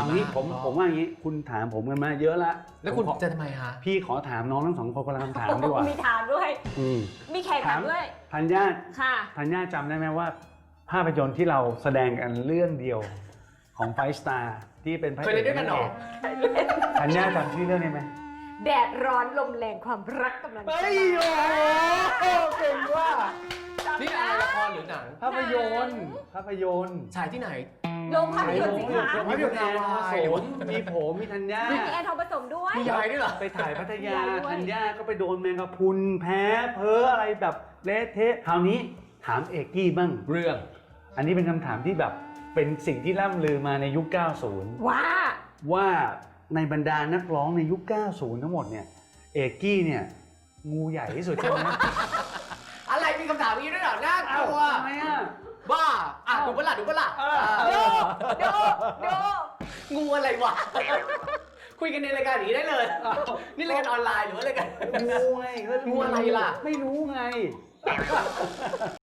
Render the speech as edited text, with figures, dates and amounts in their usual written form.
งี้ผมว่าอย่างงี้คุณถามผมกันมาเยอะละแล้วคุณจะทำไมฮะพี่ขอถามน้องทั้งสองคนคนละคำถามดีกว่ามีถามด้วย มีแขกถามด้วยธัญญาค่ะธัญญาจำได้ไหมว่าภาพยนตร์ที่เราแสดงกันเรื่องเดียวของไฟสตาร์ที่เป็นพระเคยเล่นด้วยกันเหรอธัญญาจำชื่อเรื่องได้ไหมแดดร้อนลมแรงความรักกำลังจะเฮ้ยโอ้โหเก่งว่านี่อะไรละครหรือหนังภาพยนตร์ฉายที่ไหนโรงภาพยนตร์สิคะมีคุณแอนทองผสมมีผมมีธัญญามีแอนทองผสมด้วยมียายด้วยเหรอไปถ่ายพัทยามียายด้วยธัญญาก็ไปโดนแมงกะพรุนแพ้เพ้ออะไรแบบเละเทะคราวนี้ถามเอกกี้บ้างเรื่องอันนี้เป็นคำถามที่แบบเป็นสิ่งที่ล่ำลือมาในยุค 90 ว่าในบรรดานักร้องในยุค 90 ทั้งหมดเนี่ยเอกกี้เนี่ยงูใหญ่ที่สุดใช่ไหมอะไรมีคำถามนี้ด้วยเหรอน่ากลัวทำไมอ่ะบ้าอ่ะดูปะล่ะดูดูงูอะไรวะ คุยกันในรายการอย่างนี้ได้เลย นี่รายการออนไลน์หรือว่ารายการงูไงงูอะไรล่ะไม่รู้ไง